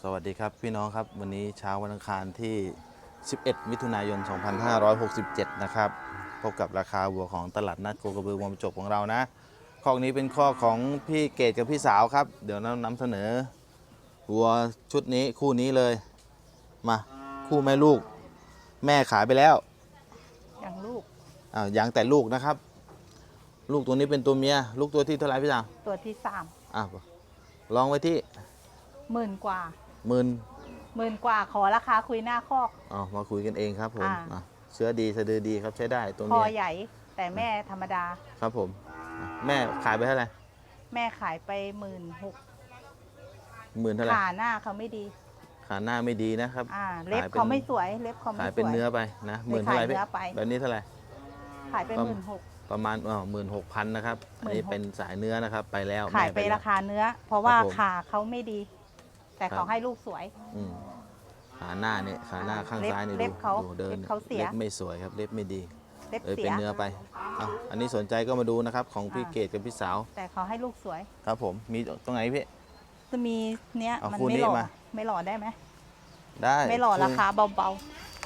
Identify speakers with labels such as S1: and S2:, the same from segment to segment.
S1: วัสดีครับพี่น้องครับวันนี้เช้าวันอังคารที่ 11 มิถุนายน 2567 นะครับพบกับราคาวัวของตลาดนัดโคกระบือวัวจบของเรานะข้อนี้เป็นข้อของพี่เกดกับพี่สาวครับเดี๋ยวเรานำเสนอวัวชุดนี้คู่นี้เลยมาคู่แม่ลูกแม่ขายไปแล้ว
S2: อย่างลูก
S1: ยังแต่ลูกนะครับลูกตัวนี้เป็นตัวเมียลูกตัวที่เท่าไหร่พี่สาว
S2: ตัวที่
S1: ลองไว้ที่
S2: 10,000 กว่า
S1: 10,000
S2: กว่าขอราคาคุยหน้าคอก
S1: มาคุยกันเองครับผมเชื้อดีสะดือดีครับใช้ได้ตัวเมีย
S2: คอใหญ่แต่แม่ธรรมดา
S1: ครับผมแม่ขายไปเท่าไหร่
S2: แม่ขายไป16,000
S1: เท่าไหร่
S2: ขาหน้าเขาไม่ดี
S1: ขาหน้าไม่ดีนะครับ
S2: เล็บเขาไม่สวยเล็บเขาไม่สวย
S1: ขายเป็นเนื้อไปนะ10,000เท่าไหร่แบบนี้เท่าไหร่
S2: ขายไป16,000
S1: ประมาณ16,000นะครับอันนี้เป็นสายเนื้อนะครับไปแล้ว
S2: ขายไปราคาเนื้อเพราะว่าขาเขาไม่ดีแต่เขาให้ลูกสวย
S1: ขาหน้าเนี่ยขาหน้าข้างซ้ายนี่ดูเดินเล็บไม่สวยครับเล็บไม่ดีเป็นเนื้อไปอันนี้สนใจก็มาดูนะครับของพี่เกดกับพี่สาว
S2: แต่เขาให้ลูกสวย
S1: ครับผมมีตรงไหนพี่
S2: จะมีเนี้ยมันไม่หล่อได้ไหม
S1: ได้
S2: ไม่หล่อราคาเบา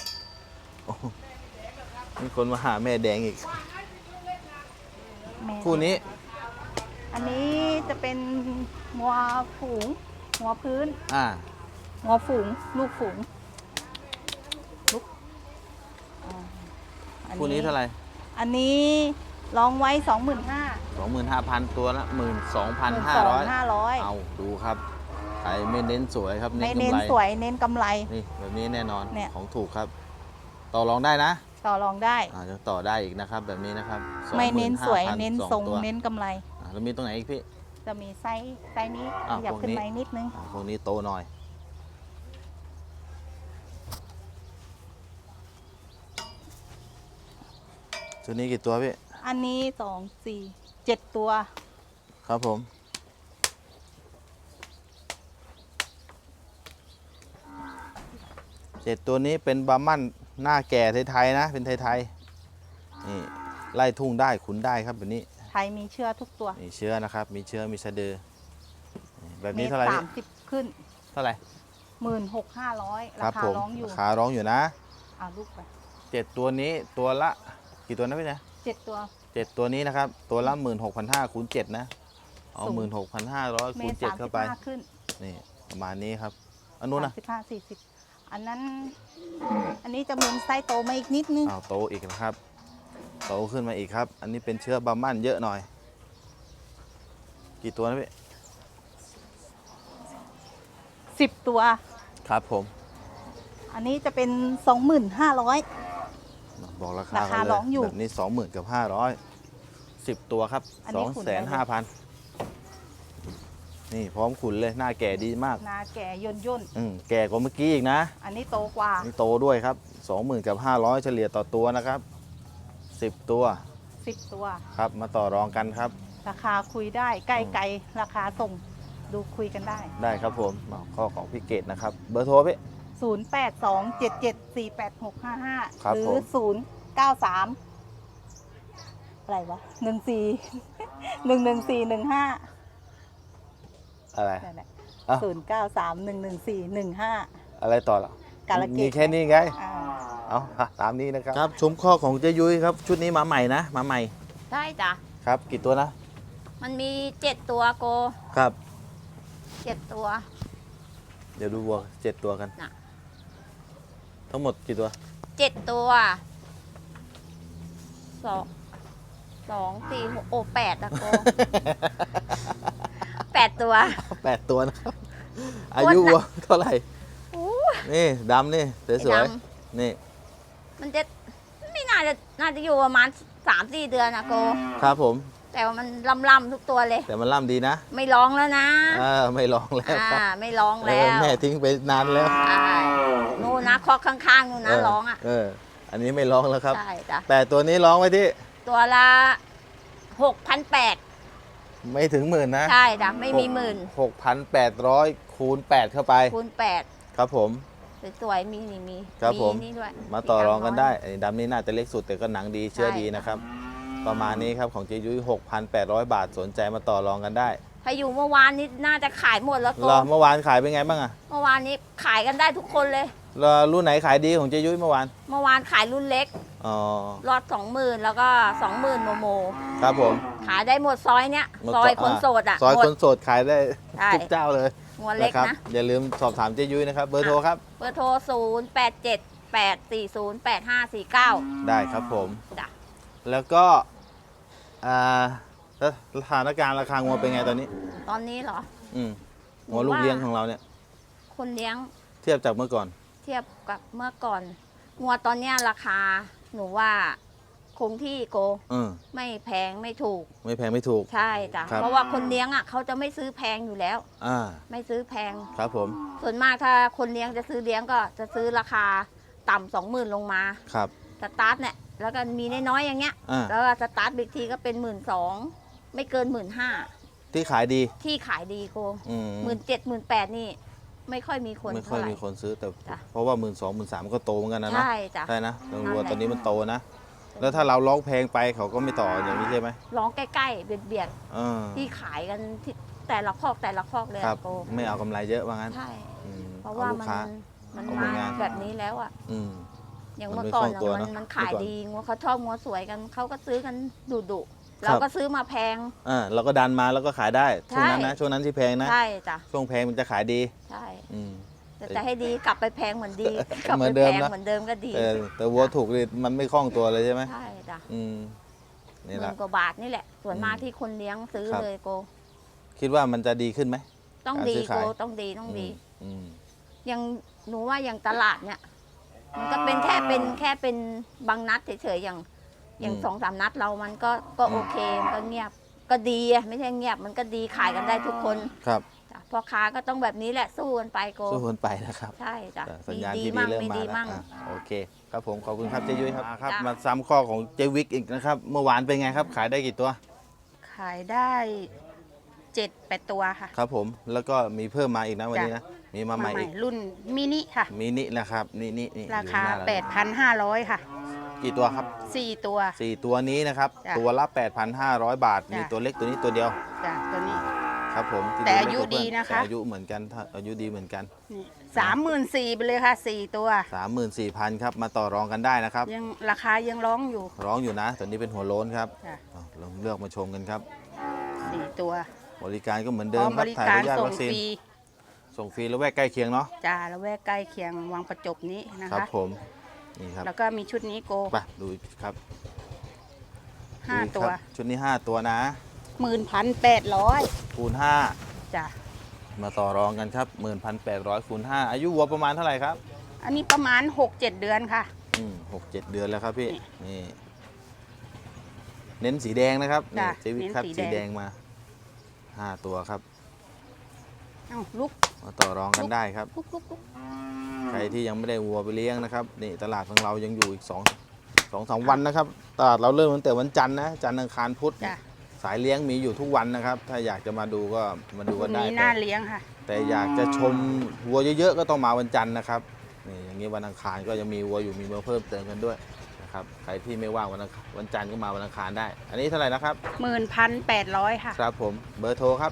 S1: มีคนมาหาแม่แดงอีกคู่นี้
S2: อันนี้จะเป็นงัวฝูงงัวพื้นงัวฝูงลูกฝูง
S1: คู่นี้เท่าไหร่
S2: อันนี้ลองไว้
S1: 25,000 ตัวละ12,500เอาดูครับใครไม่เน้นสวยครับ
S2: ไม่เน้นสวยเน้นกำไร
S1: นี่แบบนี้แน่นอนของถูกครับต่อรองได้นะ
S2: ต่อรองได้
S1: จะต่อได้อีกนะครับแบบนี้นะครับ
S2: ไม่เน้นสวยเน้นทรงเน้นกำไร
S1: แล้วมีตรงไหนอีกพี่
S2: จะมีไซส์นี้อยากขึ้นไปนิดนึง
S1: พวกนี้โตหน่อยชุดนี้กี่ตัวพี่
S2: อันนี้2 4 7 ตัว
S1: ครับผม7ตัวนี้เป็นบาร์มันหน้าแก่ไทยๆนะเป็นไทยๆนี่ไล่ทุ่งได้ขุนได้ครับแบบนี้
S2: ไทยมีเชื้อทุกตัว
S1: มีเชื้อนะครับมีเชื้อมีสะดือแบบนี้เท่าไหร่
S2: 30ขึ้น
S1: เท่าไหร่
S2: 16,500ราคาร้องอยู่
S1: ราคาร้องอยู่นะ
S2: ลูกไป
S1: 7ตัวนี้ตัวละกี่ตัวนะพี่นะ
S2: 7ตัว
S1: 7ตัวนี้นะครับตัวละ16,500คูณ7นะเอา16,500คูณ7เข้าไปนี่ประมาณนี้ครับอันนู้นนะ
S2: 35-40อันนี้จะมีไซส์โตมาอีกนิดนึง
S1: โตอีกนะครับโตขึ้นมาอีกครับอันนี้เป็นเชื้อบาร์มันเยอะหน่อยกี่ตัวนะพี่
S2: 10 ตัว
S1: ครับผม
S2: อันนี้จะเป็น 25,000
S1: บอกราคาร้องอยู่แบบนี้20,000กับ500 10ตัวครับ2,500,000นี่พร้อมขุนเลยหน้าแก่ดีมาก
S2: หน้าแก่ย่น
S1: แก่กว่าเมื่อกี้อีกนะ
S2: อันนี้โตกว่า
S1: นี่โตด้วยครับ20,000กับ500เฉลี่ยต่อตัวนะครับ10 ตัวครับมาต่อรองกันครับ
S2: ราคาคุยได้ใกล้ราคาส่งดูคุยกัน
S1: ได้ครับผมข้อของพี่เกดนะครับเบอร์โทรพี่
S2: 0827748655หรือ093อะไรวะ1411415
S1: อะไร
S2: 09311415
S1: อะไรต่อล่ะมีแค่นี้ไงเอาตามนี้นะครับชมข้อของเจยุ้ยครับชุดนี้มาใหม่นะมาใหม่
S3: ใช่จ้ะ
S1: ครับกี่ตัวนะ
S3: มันมี7ตัวโก
S1: ครับ
S3: 7ตัว
S1: เดี๋ยวดูวัว7ตัวกันทั้งหมดกี่ตัว
S3: 7ตัว2 4 6โอ้8นะโก8ตัว
S1: นะครับอายุวัวเท่าไหร่นี่ดำนี่สวยๆนี่
S3: มันจะไม่น่าจะอยู่ประมาณ 3-4 เดือนนะโก
S1: ครับผม
S3: แต่ว่ามันล่ำทุกตัวเลย
S1: แต่มันล่ำดีนะ
S3: ไม่ร้องแล้วนะ
S1: ไม่ร้องแล้ว
S3: ไม่ร้องแล้ว
S1: แม่ทิ้งไปนานแล้ว
S3: นู่นนะคอกข้างๆนู่นนะร้อง
S1: อันนี้ไม่ร้องแล้วครับ
S3: ใช่จ้ะ
S1: แต่ตัวนี้ร้องไว้ที่
S3: ตัวละ6,800
S1: ไม่ถึง10,000นะ
S3: ใช่จ้ะไม่มี
S1: 6,800คูณ8เข้าไป
S3: คูณ8
S1: ครับผม
S3: สวยๆมี
S1: ครับผม
S3: นี่ด้วย
S1: มาต่อรองกันได้ไอ้ดำนี้น่าจะเล็กสุดแต่ก็หนังดีเชื่อดีนะครับประมาณนี้ครับของเจยุ้ย6,800 บาทสนใจมาต่อรองกันได้
S3: ถ้าอยู่เมื่อวานนี้น่าจะขายหมดแล้วโก
S1: เหรอเมื่อวานขายเป็นไงบ้างอะ
S3: เมื่อวานนี้ขายกันได้ทุกคนเลย
S1: แล้วรุ่นไหนขายดีของเจยุ้ยเมื่อวาน
S3: เมื่อวานขายรุ่นเล็ก
S1: อ๋อ
S3: รอด20,000แล้วก็20,000โม
S1: ครับผม
S3: ขายได้หมดซอยเนี้ยซอยคนโสดอ่ะ
S1: ซอย
S3: หม
S1: ค
S3: ด
S1: นโสดขายได้
S3: ใช่
S1: ทุกเจ้าเลย
S3: หัวเล็ก
S1: ครับ
S3: นะ
S1: อย่าลืมสอบถามเจยุ้ยนะครับเบอร์โทรครับ
S3: เบอร์โทร0878408549
S1: ได้ครับผม
S3: จ้ะ
S1: แล้วก็แล้วสถานการณ์ราคางัวเป็นไงตอนนี้
S3: ตอนนี้เหรอ
S1: อืมงัวลูกเลี้ยงของเราเนี่ย
S3: คนเลี้ยง
S1: เทียบจากเมื่อก่อน
S3: เทียบกับเมื่อก่อนงัวตอนเนี้ยราคาหนูว่าคงที่โก ไม่แพงไม่ถูก
S1: ไม่แพงไม่ถูก
S3: ใช่จ้ะ
S1: ครับ
S3: เพราะว่าคนเลี้ยงอ่ะเขาจะไม่ซื้อแพงอยู่แล้ว
S1: อ่า
S3: ไม่ซื้อแพง
S1: ครับผม
S3: ส่วนมากถ้าคนเลี้ยงจะซื้อเลี้ยงก็จะซื้อราคาต่ำ20,000ลงมา
S1: ครับ
S3: สตาร์ทเนี่ยแล้วก็มีน้อยๆอย่างเงี้ย
S1: อ่า
S3: แล้วก็สตาร์ทบิ๊กทีก็เป็น12,000ไม่เกิน15,000
S1: ที่ขายดี
S3: ที่ขายดีโก
S1: อืม
S3: 17,000 18,000นี่ไม่ค่อยมีคน
S1: ไม่ค่อ
S3: เท่าย ไหร่
S1: มีคนซื้อแต่
S3: จ้ะ
S1: เพราะว่า12,000 13,000ก็โตเหมือนกันนะเนาะ
S3: ใช่จ้ะ
S1: ใช่นะตำรวจ
S3: นั่นแหละ
S1: ตอนนี้มันโตนะ แล้วถ้าเราร้องแพงไปเขาก็ไม่ต่ออย่างนี้ใช่ไหม
S3: ร้องใกล้ๆเบียด
S1: เออ
S3: ๆที่ขายกันที่แต่ละคอกเลย
S1: ครั
S3: อะ
S1: บ
S3: โก
S1: ไม่เอากำไรเยอะว่างั้น
S3: ใช่
S1: อืม
S3: เพราะ
S1: เอา
S3: ว่า
S1: ลูกค้า
S3: มัน
S1: เอา
S3: มา
S1: ผลงาน
S3: แบบนี้แล้วอ่ะ
S1: อืม
S3: อย่าง
S1: มัน
S3: เมื่อ
S1: ไม่
S3: ก่อน
S1: คล่องตัว
S3: อะ
S1: เนอะ
S3: มันขาย
S1: เมื่อก่อน
S3: ดีงัวเขาชอบงัวสวยกันเขาก็ซื้อกันดุ
S1: ครับ
S3: เราก็ซื้อมาแพง
S1: เราก็ดันมาแล้วก็ขายได้ช่วงนั้นนะ
S3: ใช่
S1: ช่วงนั้นที่แพงนะ
S3: ใช่จ้ะ
S1: ช่วงแพงมันจะขายดี
S3: ใช่
S1: อืม
S3: แต่จะให้ดีกลับไปแพงเหมือนดี กลับ
S1: เหมื
S3: ไป
S1: อนเดิ
S3: แพ
S1: ม
S3: ง
S1: นะ
S3: เหมือนเดิมก็ดี
S1: แต่วัวถูกนี่มันไม่คล่องตัวเลยใช่ไหม
S3: ใช่จ้ะ
S1: อืมนี่แห
S3: หมื่
S1: ละ
S3: นกว่าบาทนี่แหละ ส่วนมาก
S1: อืม
S3: ที่คนเลี้ยงซื้อ
S1: ครับ
S3: เลยโก
S1: คิดว่ามันจะดีขึ้นไหม
S3: ต้อง
S1: การ
S3: ดี
S1: ซื้อ
S3: โก
S1: ขาย
S3: ต้องดีต้องดี
S1: อืม
S3: อย่างหนูว่าอย่างตลาดเนี่ย มันก็เป็นแค่เป็นบางนัดเฉยๆอย่าง2-3 นัดเรามันก็โอเคมันก็เงียบก็ดีอะไม่ใช่เงียบมันก็ดีขายกันได้ทุกคน
S1: ครับ
S3: จ้ะพ่อค้าก็ต้องแบบนี้แหละสู้กันไปโก
S1: สู้คนไปนะครับ
S3: ใช่จ้ะ
S1: สัญญาณ
S3: ดี
S1: ที่ดี
S3: มั่ง
S1: เริ่ม
S3: ไม่
S1: มา
S3: ดี
S1: แล้ว
S3: มั่ง
S1: โอเค ครับผมขอบคุณครับเจยุ้ยครับครับ
S3: จ้ะ
S1: มาซ้ำข้อของเจวิกอีกนะครับ เมื่อวานเป็นไงครับ ขายได้กี่ตัว
S4: ขายได้7-8 ตัวค่ะ
S1: ครับผมแล้วก็มีเพิ่มมาอีกนะวันนี้นะมีมาใหม่อีก
S4: รุ่นมินิค่ะ
S1: มินินะครับนี่
S4: ราคา
S1: อยู่หน้เ
S4: 8,500 ค่ะ
S1: กี่ตัวครับ
S4: 4 ตัว
S1: 4 ตัวนี้นะครับ
S4: จ้ะ
S1: ตัวละ 8,500 บาท
S4: จ้ะ
S1: มีตัวเล็กตัวนี้ตัวเดียว
S4: จ้ะตัวนี้
S1: ครับผมที่
S4: แต่
S1: ดู
S4: อายุ
S1: เล็กกว่าเพื่อน
S4: ดีนะคะ
S1: แต่อายุเหมือนกันถ้าอายุดีเหมือนกัน
S4: นี่34,000ไปเลยค่ะ 4 ตัว
S1: 34,000ครับมาต่อรองกันได้นะครับ
S4: ยังราคายังร้องอยู่
S1: ร้องอยู่นะตัวนี้เป็นหัวโล้นครับ
S4: จ้ะ
S1: ลองเลือกมาชมกันครับ
S4: 4 ตัว
S1: บริการก็เหมือน
S4: พ
S1: เดิ
S4: ร้อ
S1: ม
S4: ม
S1: ครับ
S4: บริ
S1: ถ่าย
S4: การ
S1: พยาธิ
S4: ส่ง
S1: วัคซีน
S4: ฟรี
S1: ส่งฟรีแล้วแวกใกล้เคียงเนาะ
S4: จ้าละแวกใกล้เคียงวังประจบนี้นะ
S1: ครั
S4: คะ
S1: บผมนี่ครับ
S4: แล้วก็มีชุดนี้โก
S1: ไปดูครับดูอีก
S4: 5 ตัว
S1: ครับชุดนี้ 5 ตัวนะ
S4: 11,800
S1: คูณ
S4: จ้ะ
S1: 5 มาต่อรองกันครับ 11,800คูณ5อายุวัวประมาณเท่าไหร่ครับ
S4: อันนี้ประมาณ 6-7 เดือนค่ะ
S1: 6-7 เดือนแล้วครับพี่
S4: นี่
S1: นี่เน้นสีแดงนะครับนี่
S4: จ้ะ
S1: เจวิตครับ
S4: เน้นสี
S1: สี
S4: แดง
S1: แดงมา 5 ตัวครับ
S4: เอ้าลุก
S1: มาต่อรองกันได้ครับ
S4: ลุก
S1: ใครที่ยังไม่ได้วัวไปเลี้ยงนะครับนี่ตลาดของเรายังอยู่อีก2-3 วันนะครับตลาดเราเริ่มตั้งแต่วันจันทร์นะจันทร์อังคารพุธ
S4: จ้ะ
S1: สายเลี้ยงมีอยู่ทุกวันนะครับ ถ้าอยากจะมาดูก็มาดู
S4: วั
S1: กัน นได้
S4: นี้น่าเลี้ยงค่ะ
S1: แต่อยากจะชมวัวเยอะๆก็ต้องมาวันจันทร์นะครับนี่อย่างนี้วันอังคารก็ยังมีวัวอยู่มีมาเพิ่มเติมกันด้วยนะครับใครที่ไม่ว่างวันจันทร์ก็มาวันอังคารได้ อันนี้เท่าไหร่นะครับ
S4: 11,800 ค่ะ
S1: ครับผมเบอร์โทรครับ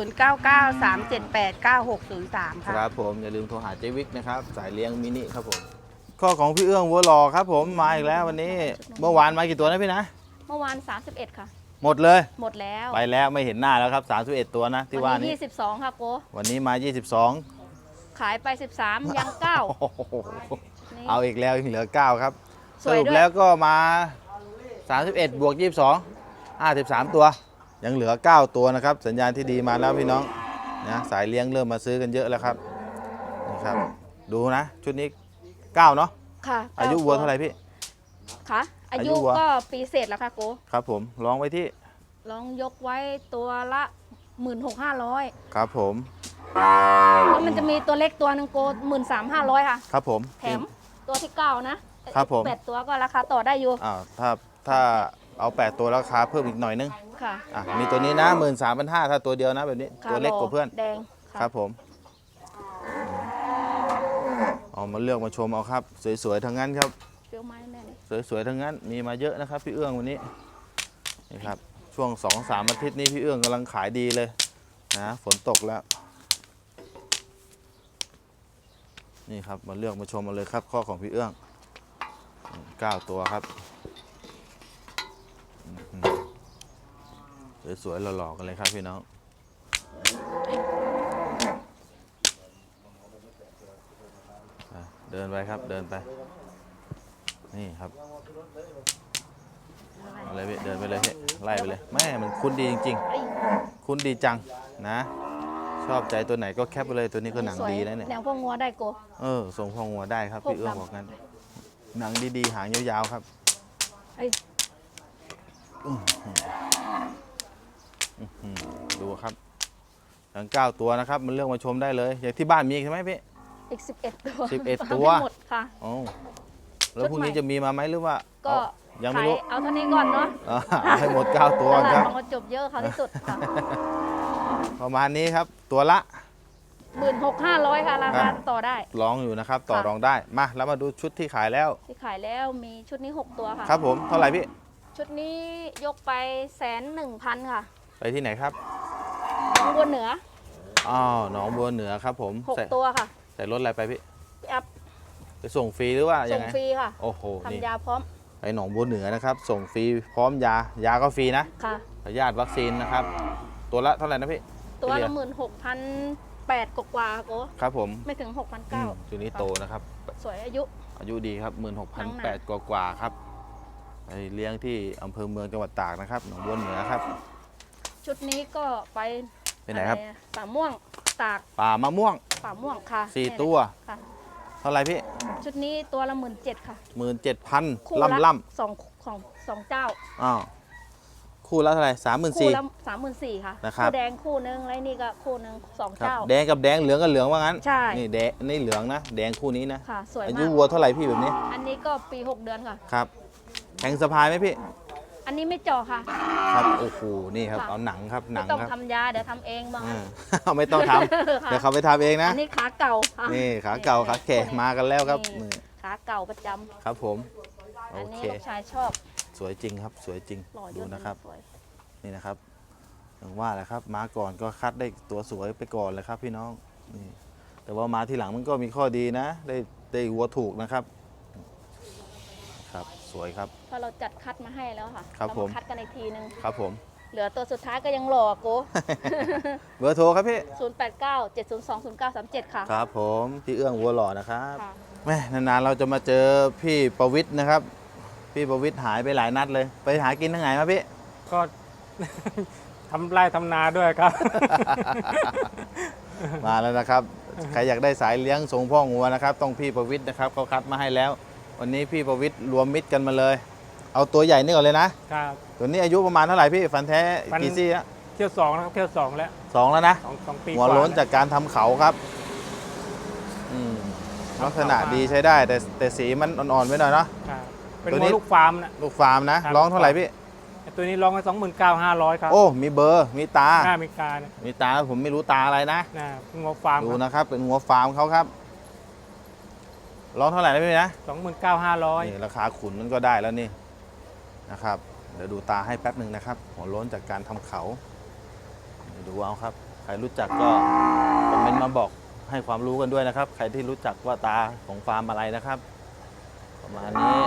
S4: 0993789603
S1: ค
S4: ค่ะ
S1: รับผมอย่าลืมโทรหาเจวิกนะครับสายเลี้ยงมินิครับผมข้อของพี่เอื้องวัวหล่อครับผมมาอีกแล้ววันนี้เมื่อวานมากี่ตัวนะพี่นะ
S3: เมื่อวาน31ค่ะ
S1: หมดเลย
S3: หมดแล้ว
S1: ไปแล้วไม่เห็นหน้าแล้วครับ31ตัวนะที่ว่า
S3: วัน
S1: นี้
S3: นี้22ค่ะโก
S1: วันนี้มา 22
S3: ขายไป13ยัง9
S1: โอ้โห
S3: นี่
S1: เอาอีกแล้วยังเหลือ 9 ครับ
S3: ส
S1: ส
S3: วยด้วย
S1: รุปแล้วก็มา 31 บวก 22 53 ตัว ยังเหลือ 9 ตัวนะครับ สัญญาณที่ดีมาแล้วพี่น้องนะสายเลี้ยงเริ่มมาซื้อกันเยอะแล้วครับนี่ครับ ดูนะ ชุดนี้ 9 เนาะ
S3: ค่ะ
S1: อายุวัวเท่าไหร่พี่
S3: ค่ะอา
S1: อายุ
S3: ยุ
S1: วัว
S3: ก็ปีเศษแล้วค่ะโก
S1: ครับผมลองไว้ที่
S3: ลองยกไว้ตัวละ16,500
S1: ครับผม
S3: แล้วมันจะมีตัวเล็กตัวหนึงโก13,500ค่ะ
S1: ครับผม
S3: แถมตัวที่9นะครับ
S1: ผม
S3: 8ตัวก็ราคาต่อได้อยู่
S1: ถ้าเอา 8 ตัวราคาเพิ่มอีกหน่อยนึง
S3: ค่ะ
S1: มีตัวนี้นะ 13,500ถ้าตัวเดียวนะแบบนี้
S3: ค่ะ
S1: ตัวเล็กกว่าเพื่อน
S3: แดงะ
S1: ครับผมเอามาเลือกมาชมเอาครับ สวยๆทั้งนั้นครับ
S3: เปรี้ยวไม้แน่เลย
S1: สวยๆทั้งนั้นมีมาเยอะนะครับพี่เอื้องวันนี้นี่ครับช่วง 2-3 อาทิตย์นี้พี่เอื้องกำลังขายดีเลยนะฝนตกแล้วนี่ครับมาเลือกมาชมมาเลยครับข้อของพี่เอื้อง9 ตัวครับสวยๆหล่อๆกันเลยครับพี่น้องเดินไปครับเดินไปนี่ครับอะไรพี่เดินไปเลยพี่ไล่ไปเลยแม่มันคุ้นดีจริงๆคุ้นดีจังนะชอบใจตัวไหนก็แคปไปเลยตัวนี้ก็หนังดีนะเนี่ย
S3: แนวพวกงัวได้โก
S1: ส่งพองงัวได้ครับพี่เอื้องบอกงั้นหนังดีๆหางยาวๆครับดูครับทั้ง9 ตัวนะครับมันเลือกมาชมได้เลยอย่างที่บ้านมีใช่ไหมพี่
S3: อีก11 ตัว
S1: 11 ตัว
S3: หมดค่ะ
S1: อ๋อแล้วพรุ่งนี้จะมีมาไหมหรือว่า
S3: ก็
S1: ยังไม่รู้
S3: เอาเท่านี้ก่อนเนาะ
S1: เอาให้หมด9 ตัว
S3: ตลาด
S1: ครับ
S3: ของกระจบเยอะเขาที่สุดค่ะ
S1: ประมาณนี้ครับตัวละ
S3: 16,500 ค่ะราคาต่อได้
S1: ร้องอยู่นะครับต่อรองได้มาแล้วมาดูชุดที่ขายแล้ว
S3: ที่ขายแล้วมีชุดนี้ 6 ตัวค่ะ
S1: ครับผมเท่าไหร่พี่
S3: ชุดนี้ยกไป101,000 ค่ะ
S1: ไปที่ไหนครับ
S3: น้องบัวเหนือ
S1: หนองบัวเหนือครับผมใส่
S3: 6 ตัวค่ะ
S1: ใส่รถอะไรไปพี่
S3: พี่อัพ
S1: ไปส่งฟรีหรือว่ายั
S3: ส่
S1: ง
S3: ง
S1: ไง
S3: ฟรีค่ะ
S1: โอ้โหนี่
S3: ทำยาพร้อม
S1: ไปหนองบัวเหนือนะครับส่งฟรีพร้อมยาก็ฟรีนะ
S3: ค่ะ
S1: พยาธิวัคซีนนะครับตัวละเท่าไหร่นะพี่
S3: ตัวละ
S1: เฉลี่ย
S3: 16,800 กว่าๆโก
S1: ครับผม
S3: ไม่ถึง 6,900
S1: ตัวนี้โตนะครับ
S3: สวยอายุ
S1: อายุดีครับ
S3: หนังหนา
S1: 16,800 กว่าครับไปเลี้ยงที่อำเภอเมืองจังหวัดตากนะครับหนองบัวเหนือครับ
S3: ชุดนี้ก็ไป
S1: ไปไหนครับ
S3: อะอะป่าม่วงตาก
S1: ป่ามะม่วง
S3: ป่าม่วงค่ะ
S1: 4 ตัว
S3: ค่ะ
S1: เท่าไหร่พี่
S3: ชุดนี้ตัวละ17,000 ค่ะ คู่
S1: 17,000
S3: ละ
S1: ล่ำ
S3: สองเจ้า
S1: อ้าวคู่ละเท่าไหร่
S3: คู่ละ
S1: 34,000
S3: 34,000 ค่ะ
S1: นะครับ
S3: คู่แดงคู่นึงแล้วนี่ก็คู่นึง2
S1: ครับ
S3: เจ้า
S1: แดงกับแดงเหลืองกับเหลืองว่างั้น
S3: ใช่
S1: นี่แดงนี่เหลืองนะแดงคู่นี้นะ
S3: ค่ะ สวย
S1: อายุ
S3: มาก
S1: วัวเท่าไหร่พี่แบบนี้
S3: อันนี้ก็ปี 6 เดือนค่ะ
S1: ครับแข็งสะพายไหมพี่
S3: อันนี้ไม่เจาะค่ะ
S1: ครับโอ้โหนี่ครับ
S3: ค่ะ
S1: เอาหนังครับหนั
S3: ไม่
S1: ง
S3: ต้อง
S1: ครับ
S3: ทำยาเดี๋ยวทำเองบ้าง
S1: ไม่ต้องทำ
S3: ค่ะ
S1: เดี๋ยวเขาไปทำเองนะ
S3: อันนี้ขาเก่าค่ะ
S1: นี่ขาเก่าขาแก่มากันแล้วครับ
S3: นี่
S1: นี่
S3: ขาเก่าประจำ
S1: ครับผมโอ
S3: อันนี้
S1: เค
S3: ลูกชายชอบ
S1: สวยจริงครับสวยจริง
S3: หล่อเย
S1: ดู
S3: อะ
S1: นะครับ
S3: สวย
S1: นี่นะครับอย่างว่าแหละครับมาก่อนก็คัดได้ตัวสวยไปก่อนเลยครับพี่น้องนี่แต่ว่ามาทีหลังมันก็มีข้อดีนะ ได้วัวถูกนะครับครับสวยครับ
S3: เพราะเราจัดคัดมาให้แล้วค่ะ
S1: ครับ
S3: เรา
S1: ผม
S3: มาคัดกันอีกทีนึง
S1: ครับผม
S3: เหลือตัวสุดท้ายก็ยังหล่อโก
S1: เบอร์โทรครับพี่
S3: 089 702 0937 ค่ะ
S1: ครับผมพี่เอื้องวัวหล่อนะครับ
S3: ค่ะ
S1: แม่นานๆเราจะมาเจอพี่ประวิทย์นะครับ พี่ประวิทย์หายไปหลายนัดเลย ไปหากินทั้งไหนมาพี่
S5: ก็ ทำไร่ทำนาด้วยครับ
S1: มาแล้วนะครับ ใครอยากได้สายเลี้ยงส่งพ่องัวนะครับ ต้องพี่ประวิทย์นะครับเขาคัดมาให้แล้ว วันนี้พี่ประวิทย์รวมมิตรกันมาเลย เอาตัวใหญ่นี่ก่อนเลยนะ
S5: ครับ
S1: ตัวนี้อายุประมาณเท่าไหร่พี่ฟันแท้
S5: ฟัน
S1: กี่ซี่แล้ว
S5: เที่ยวสองนะครับเที่ยวสองแล้ว
S1: 2แล้วนะ
S5: สองปี
S1: หัว
S5: กา
S1: โล้น
S5: แว
S1: จากการทำเขาครับลักษณะดีใช้ได้ แต่สีมันอ่อนๆไว้หน่อยเนาะ
S5: ครับเป็น
S1: ตัว
S5: วั
S1: นี้
S5: วลูกฟาร์มนะ
S1: ลูกฟาร์มนะ
S5: ครับ
S1: ร้องเท่าไหร่พี่
S5: ไอ้ตัวนี้ร้องไว้29,500 ครับ
S1: โอ้มีเบอร์มีตา
S5: หน้าอเมริกาเนี่ย
S1: มีตาผมไม่รู้ตาอะไรนะ
S5: นะเป็นวัวฟาร์ม
S1: ดูนะครับเป็นหัวฟาร์มเขาครับร้องเท่าไหร่นะพี่นะ
S5: 29,500
S1: นี่ราคาขุนมันก็ได้แล้วนี่นะครับ เดี๋ยวดูตาให้แป๊บหนึ่งนะครับ หัวโล้นจากการทำเขาเดี๋ยวดูเอาครับ ใครรู้จักก็คอมเมนต์มาบอกให้ความรู้กันด้วยนะครับ ใครที่รู้จักว่าตาของฟาร์มอะไรนะครับ ประมาณนี้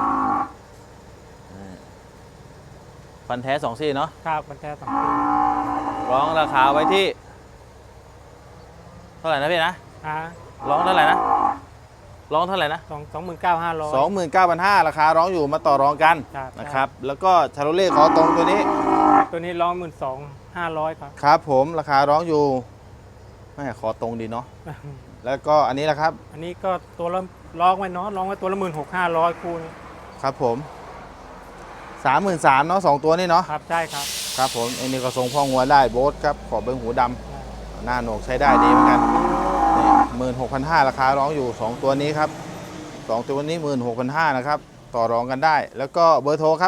S1: ฟันแท้2 ซี่เนาะ
S5: ครับมันแท้2 ปี
S1: ร้องราคาไว้ที่เท่าไหร่นะพี่นะ
S5: อ่า
S1: ร้องเท่าไหร่นะร้องเท่าไหร่นะ
S5: 29,500
S1: 29,500 ราคาร้องอยู่มาต่อรองกัน
S5: ครับ
S1: นะครับ แล้วก็ชาโรเล่ขอตรงตัวนี้
S5: ตัวนี้ร้อง12,500 ครับ
S1: ครับผมราคาร้องอยู่แม่ขอตรงดีเนาะแล้วก็อันนี้แหละครับ
S5: อันนี้ก็ตัวละร้องไว้เนาะร้องไว้ตัวละ16,500คูณ
S1: ครับผม 33,000เนาะ2 ตัวนี่เนาะ
S5: ครับใช่ครับ
S1: ครับผมอันนี้ก็ทรงพ่องัวได้โบ๊ทครับขอบเบิ้งหูดำหน้าโหนกใช้ได้ดีเหมือนกันนี่16,500 ราคาร้องอยู่ 2 ตัวนี้ครับ2 ตัวนี้ 16,500 นะครับต่อรองกันได้ แล้วก็เบอร์โทรครับ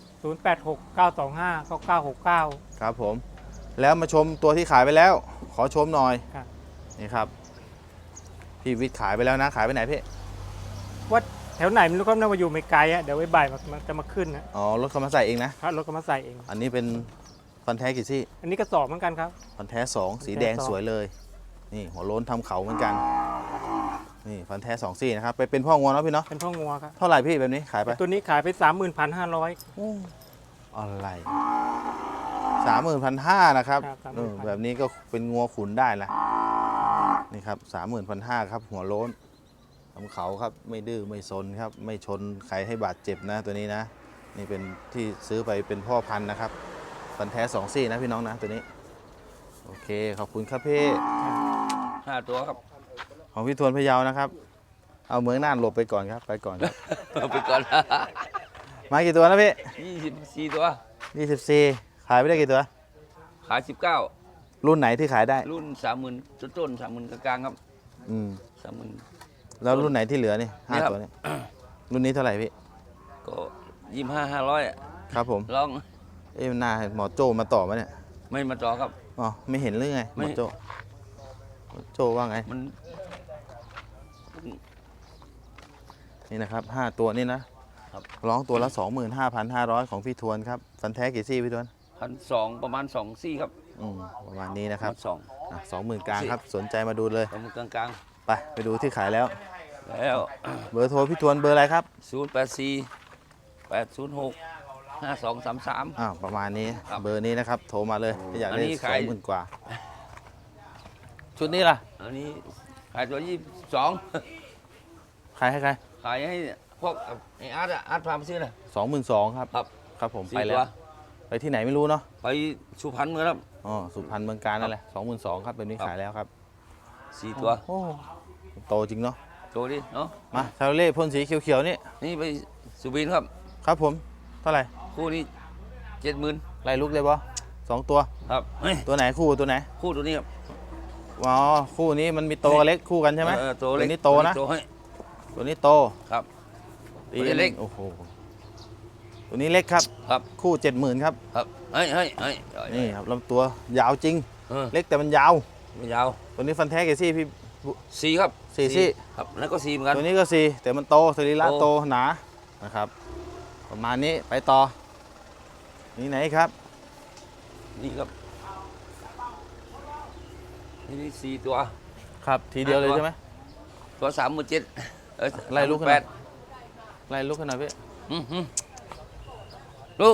S5: 0869259969
S1: ครับผมแล้วมาชมตัวที่ขายไปแล้ว ขอชมหน่อย
S5: ครับ
S1: นี่ครับพี่วิทย์ขายไปแล้วนะขายไปไหนพี่
S5: ว่าแถวไหนมันก็น่าจะอยู่ไม่ไกลอะเดี๋ยวไว้บ่ายมันจะมาขึ้นนะ
S1: อ๋อรถเขามาใส่เองนะ
S5: ถ้ารถก็มาใส่เอง
S1: อันนี้เป็นฟันแท้กี่ซี่
S5: อันนี้กระสอบเหมือนกันครับ
S1: ฟันแท้สองสีแดง
S5: ฟันแท้สอง
S1: สวยเลย นี่หัวโล้นทำเขาเหมือนกัน นี่ฟันแท้สองซี่นะครับ ไปเป็นพ่องัวเนาะพี่เนาะ
S5: เป็นพ่องัวครับ
S1: เท่าไหร่พี่แบบนี้ขายไป
S5: ตัวนี้ขายไป 31,500
S1: อะไร30,500นะครับ
S5: ครับ
S1: แบบนี้ก็เป็นงัวขุนได้ละนี่ครับ30,500ครับหัวโล้นทำเขาครับไม่ดื้อไม่ซนครับไม่ชนใครให้บาดเจ็บนะตัวนี้นะ นี่เป็นที่ซื้อไปเป็นพ่อพันธุ์นะครับฟันแท้สองซี่นะพี่น้องนะตัวนี้โอเคขอบคุณครับพี่
S6: 5 ตัวครับ
S1: ของพี่ทวนพะเยานะครับ เอาเมืองน่านหลบไปก่อนครับไปก่อนครับ
S6: ไปก่อน
S1: มากี่ตัวนะพี่
S6: 24 ตัว
S1: 24ขายไปได้กี่ตัว
S6: ขาย
S1: รุ่นไหนที่ขายได้
S6: 19 รุ่น 30,000ต้นๆ30,000กลางๆครับ
S1: อืม
S6: 30,000
S1: แล้วรุ่นไหนที่เหลือนี่ห้า
S6: นี่ครับ
S1: ตัวนี่รุ่นนี้เท่าไหร่พี่
S6: ก็25,500อ่ะ
S1: ครับผม
S6: ลอง
S1: เอ้ยหน้าหมอโจ้มาต่อมาเนี่ย
S6: ไม่มาต่อครับ
S1: อ๋อไม่เห็นหรือไงห
S6: ไม่
S1: มอโจ้หมอโจ้ว่าไง
S6: มัน
S1: นี่นะครับ5ตัวนี่นะครับ ร้องตัวละ 25,500 ของพี่ทวนครับฟันแท้กี่ซี่พี่ทวน
S6: 1,200ประมาณ2ซี่ครับ
S1: ประมาณนี้นะครับ
S6: 2
S1: 20,000กลางครับสนใจมาดูเลย
S6: ประมาณกลาง
S1: ไปดูที่ขายแล้ว
S6: ๆแล้ว
S1: เบอร์โทรพี่ทวนเบอร์อะไรครับ
S6: 084 806 5233
S1: ประมาณนี้
S6: ครับ
S1: เบอร์นี้นะครับโทรมาเลยถ้าอยาก
S6: อัน
S1: ได้
S6: นี้ขาย
S1: 20,000กว่า ชุดนี้ล่ะ
S6: อันนี้ขายตัว22
S1: ขายให้ใคร
S6: ขายให้พวกไอ้อาร์ตอะอาร์ตพาไปซื้อนะ
S1: 22,000ครับ
S6: ครับ
S1: ครับผม
S6: 4
S1: ไปแล้
S6: ตัว ว
S1: ไปที่ไหนไม่รู้เนาะ
S6: ไปสุพรรณเมืองครับ
S1: อ๋อสุพรรณเมืองการนั่นแหละ22,000ครับแบบนี้
S6: ครับ
S1: ขายแล้วครับ
S6: 4 ตัว
S1: โอ้โตจริงเนาะ
S6: โชว์ดิเนาะ
S1: มาชาโลเล่พ่นสีเขียวๆนี่
S6: นี่ไปสุบินครับ
S1: ครับผมเท่าไหร่
S6: คู่นี้70,000
S1: ไล่ลุกเลยปะ2 ตัว
S6: ครับเฮ้ย
S1: ตัวไหนคู่ตัวไหน
S6: คู่ตัวนี้ครับ
S1: อ๋อคู่นี้มันมีโตกับเล็กคู่กันใช่ไหม
S6: ตัวเล็ก
S1: นี้โตนะ
S6: ตัวให้
S1: ตัวนี้โต
S6: ครับ
S1: ตี
S6: ตัวนี้เล็ก
S1: โอ้โหตัวนี้เล็กครับ
S6: ครับ
S1: คู่ 70,000ครับ
S6: ครับเฮ้ยเฮ้ยเฮ้ย
S1: นี่ครับลำตัวยาวจริง
S6: เล็ก
S1: เล็กแต่มันยาว
S6: ไม่ยาว
S1: ตัวนี้ฟันแท้กี่ซี่พี่
S6: 4ครับ
S1: สี่ซี่
S6: ครับแล้วก็4เหมือนกัน
S1: ตัวนี้ก็สี่แต่มันโตสรีระ
S6: โต
S1: โตหนานะครับ ประมาณนี้ไปต่อนี่ไหนครับ
S6: นี่ครับนี่4ตัว
S1: ครับทีเดียวเลย
S6: ตัว
S1: ใช่ไหม
S6: ตัว37,000
S1: ไล่ลูกขึ้น
S6: แป
S1: มา
S6: ด
S1: ไล่ลุกขนาดพี่
S6: ลูก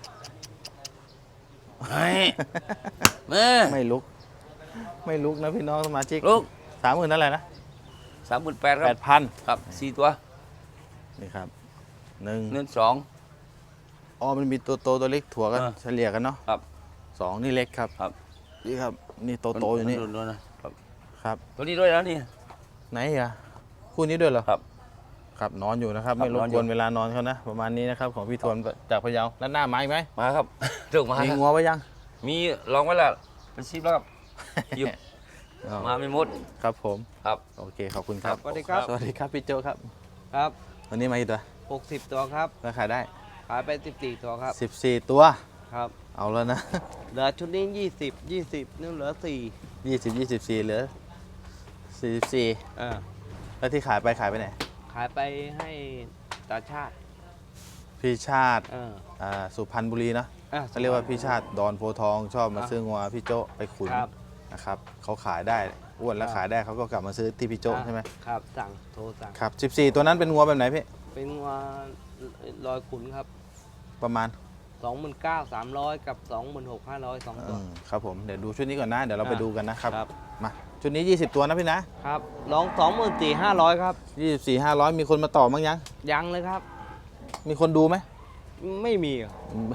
S6: เฮ้ยแม่
S1: ไม่ลุก ไม่ลุกนะพี่น้องสมาชิก
S6: ลูก
S1: 30,000นั่นแหละนะ
S6: 38,000ครับ
S1: 8,000
S6: ครับ4ตัว
S1: นี่ครับหนึ่ง
S6: เงิน2
S1: อ๋อมันมีตัวโตตัวเล็กถั่วกัน
S6: อ่า
S1: เฉลี่ยกันเนาะ
S6: ครับ
S1: 2นี่เล็กครับ
S6: ครับ
S1: นี่ครับนี่โตโตอยู่นี่
S6: ดูนะครับ
S1: ครับ
S6: ตัวนี้ด้วยแล้วนี่
S1: ไหนอ่ะคู่นี้ด้วยเหรอ
S6: ครับ
S1: ครับนอนอยู่นะครับ
S6: ครับ
S1: ไม่รบ
S6: นอนอก ยู่
S1: วนเวลานอนเขานะ ประมาณนี้นะครับของพี่ทวนจากพะเยาแล้วหน้าไม้ไหม
S6: มาครับ ถูกมา
S1: มี
S6: ครับ
S1: งัวไว้ยัง
S6: มีลองไว้แล้วเป็น10แล้วครับหยิบ
S1: อ๋อ
S6: มาไม่หมด
S1: ครับผม
S6: ครับ
S1: โอเคขอบคุณครับ
S6: สวัสดีครับ
S1: สวัสดีครับพี่โจครับ
S7: ครับ
S1: วันนี้มากี่ตัว
S7: 60 ตัวครับ
S1: ราคายได้
S7: ขายไป 14 ตัวครับ
S1: 14 ตัว
S7: ครับ
S1: เอาแล้วนะ
S7: เหลือชุดนี้ 20 20นี่เหลือ
S1: 20 24เหลือ44
S7: 4อ่า
S1: แล้วที่ขายไปไหน
S7: ขายไปให้ตาชาติ
S1: พี่ชาติ
S7: เออ
S1: สุพรรณบุรีเนอะ
S7: อ่ะ
S1: เขาเรียกว่าพี่ชาติดอนโพธิ์ทองชอบมาซื้องัวพี่โจไปขุน
S7: ครับ
S1: นะครับเขาขายได้อ้วนแล้ว
S7: ครับ
S1: ขายได้เขาก็กลับมาซื้อที่พี่โจ
S7: อ่ะ
S1: ใช่ไหม
S7: ครับ สั่ง โทรสั่ง
S1: ครับ14 ตัวนั้นเป็นงัวแบบไหนพี่
S7: เป็นว่าลอยขุนครับ
S1: ประมาณ
S7: 29,300 กับ 26,500 2 ตัว
S1: ครับผมเดี๋ยวดูชุดนี้ก่อนนะเดี๋ยวเราไปดูกันนะครับ
S7: ครับ
S1: มาชุดนี้ 20 ตัวนะพี่นะครับ
S7: ลอง 24,500 ครับ
S1: 24 500 มีคนมาต่อมั้งยัง
S7: ยังเลยครับ
S1: มีคนดูไหม
S7: ไม่มีอ่ะ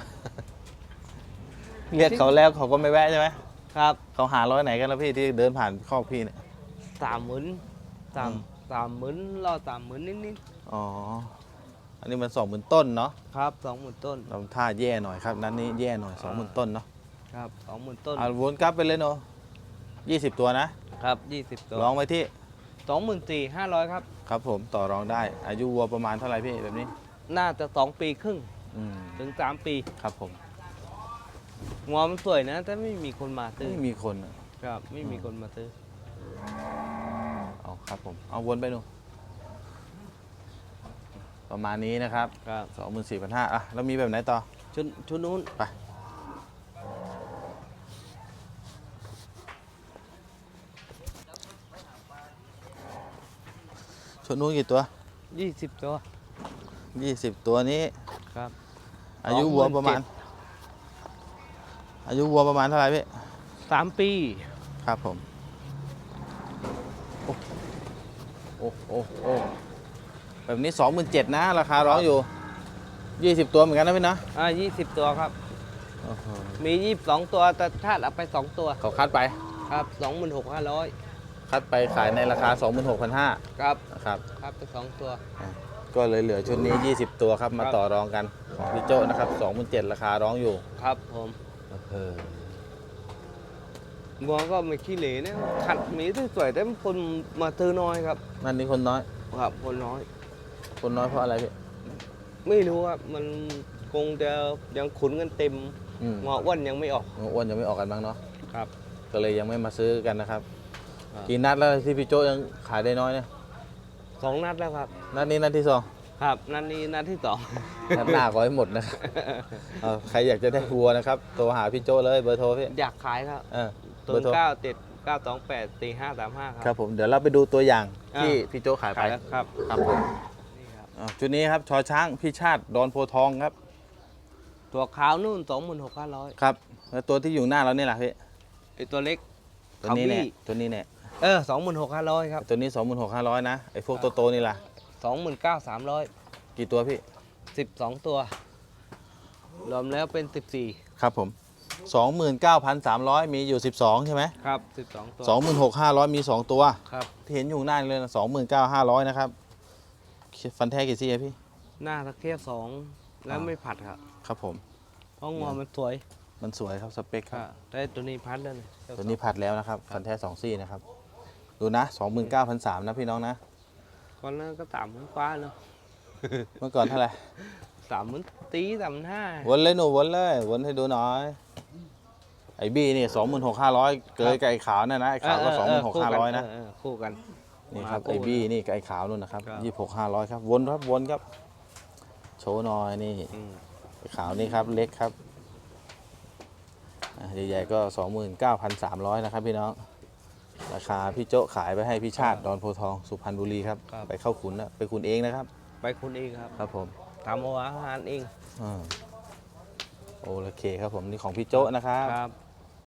S1: เรียกเขาแล้วเขาก็ไม่แวะใช่ไหม
S7: ครับ
S1: เขาหาร้อยไหนกันแล้วพี่ที่เดินผ่านคอกพี่เนี่ย
S7: 30,000 30,000รอ30,000นิด
S1: อ๋ออันนี้มัน20,000ต้นเนาะ
S7: ๆครับ 20,000 ต้น
S1: เราท่าแย่หน่อยครับนั้นนี้แย่หน่อย20,000ต้นเนาะ
S7: ครับ 20,000 ต้น
S1: วนกลับไปเลยเนาะ20 ตัวนะครับ
S7: 20 ตัว
S1: ลองไว้ที่
S7: 24,500 ครับ
S1: ครับผมต่อรองได้ อายุวัวประมาณเท่าไหร่พี่แบบนี้
S7: น่าจะ2 ปีครึ่ง
S1: อืม
S7: ถึง 3 ปี
S1: ครับผม
S7: งัวมันสวยนะ แต่ไม่มีคนมาซื้อ
S1: ไม่มีคนอะ
S7: ครับ ไม่มีคนมาซื้อ
S1: เอาครับผมเอาวนไปดูประมาณนี้นะครับ
S7: ครับ
S1: 24,500อ่ะแล้วมีแบบไหนต่อ
S7: ชุดนู้น
S1: ไปชุดนู้นกี่ตัว
S7: 20 ตัว
S1: 20 ตัวนี้
S7: ครับ
S1: อายุวัวประมาณ อายุวัวประมาณเท่าไหร่พี่
S7: 3 ปี
S1: ครับผม โอ้โอ้โอ้แบบนี้ 27,000นะราคาร้องอยู่ 20 ตัวเหมือนกันนะพี่นะ
S7: 20 ตัวครับ
S1: โอ้โห
S7: มี 22 ตัวแต่ถ้าเอาไป 2 ตัว
S1: เขาคัดไป
S7: ครับ 26,500
S1: คัดไปขายในราคา 26,500
S7: ครับ
S1: นะครับ
S7: ครับไป2 ตัว
S1: ก็เลยเหลือชุดนี้ 20 ตัวครับ มาต่อรองกันของพี่โจ้นะครับ 27,000ราคาร้องอยู่
S7: ครับผม
S1: เออ
S7: วัวก็ไม่ขี้เหร่นะขัดมีสวยๆแต่คนมาซื้อน้อยครับ
S1: นั่นนี่คนน้อย
S7: ครับคนน้อย
S1: คนน้อยเพราะอะไรพี่
S7: ไม่รู้ครับมันคงจะยังขุนกันเต็ม
S1: อืม
S7: งออ้วนยังไม่ออก
S1: อ้วนยังไม่ออกกันบ้างเนาะ
S7: ครับ
S1: ก็เลยยังไม่มาซื้อกันนะครับ
S7: ครับ
S1: กี่นัดแล้วที่พี่โจ้ยังขายได้น้อยเนี่ย
S7: 2 นัดแล้วครับ
S1: นัดนี้นัดที่ 2
S7: ครับนัดนี้นัดที่
S1: นัดหน้าขอให้หมดนะครับ ใครอยากจะได้วัวนะครับโทรหาพี่โจ้เลยเบอร์โทรพี่
S7: อยากขายครับ
S1: เออ
S7: 0
S1: เบอร์โทร
S7: 9 7 9 2 8 4 5 3 5
S1: ค
S7: ค
S1: รั
S7: รั
S1: บบ ผมเดี๋ยวเราไปดูตัวอย่างที่
S7: อ่า
S1: พี่โจ้ขายไป
S7: ขายแล้วครับ
S1: ครับผม
S7: นี่ครับ
S1: ชุดนี้ครับชอช้างพี่ชาติดอนโพทองครับ
S7: ตัวขาวนู่น 26,500
S1: ครับแล้วตัวที่อยู่หน้าเรานี่แหละพี่
S7: ไอตัวเล็ก
S1: ตัวนี้เนี่ย
S7: ขาวบี้
S1: ตัวนี้เนี่ย
S7: 26,500 ครับ
S1: ตัวนี้ 26,500นะไอ้พวกโตๆนี่ล่ะ
S7: 29,300
S1: กี่ตัวพี่
S7: 12 ตัว รวมแล้วเป็น 14
S1: ครับผม 29,300 มีอยู่ 12 ใช่ไหม
S7: ครับ 12 ตัว
S1: 26,500 มี 2 ตัว
S7: ครับ
S1: ที่เห็นอยู่หน้านี่เลยนะ29,500 นะครับ ฟันแท้กี่ซี่อะพี่
S7: หน้าตะเคียบ2แล้วไม่ผัดครับ
S1: ครับผม
S7: เพราะงอมันสวย
S1: มันสวยครับสเปคครับ
S7: แต่ตัวนี้พัดแล้วนี่
S1: ตัวนี้ผัดแล้วนะครับ ฟันแท้ 2 ซี่นะครับ ดูนะ 29,300 นะพี่น้องนะ
S7: ก่อนนั้นก็30,000ฟ้าเนาะ
S1: เมื่อก่อนเท่าไหร่
S7: 30,000ตี35,000
S1: วนเลยหนูวนเลย วนให้ดูหน่อย ไอ้บี้นี่ 26,500 เกยกับไอ้ขาวนั่นนะ ไอ้ขาวก็ 26,500 นะ
S7: คู่กัน
S1: นี่ครับ
S7: มาคู่
S1: ไอ้บี้นี่กับไอ้ขาวนู่นนะครับ
S7: ครับ
S1: 26,500 ครับ วนครับ วนครับ โชว์หน่อยนี่
S7: อืม
S1: ไอ้ขาวนี่ครับ เล็กครับใหญ่ๆก็ 29,300 นะครับพี่น้อง ราคาพี่โจ๊ะขายไปให้พี่ชาติดอนโพธิ์ทองสุพรรณบุรีครับ ไปเข้าขุนนะไปขุนเองนะครับ
S7: ไปคุณเองครับ
S1: ครับผม
S7: ทำเอาอาหารเอง
S1: โอเคครับผมนี่ของพี่โจ๊ะนะครับ
S7: ครับ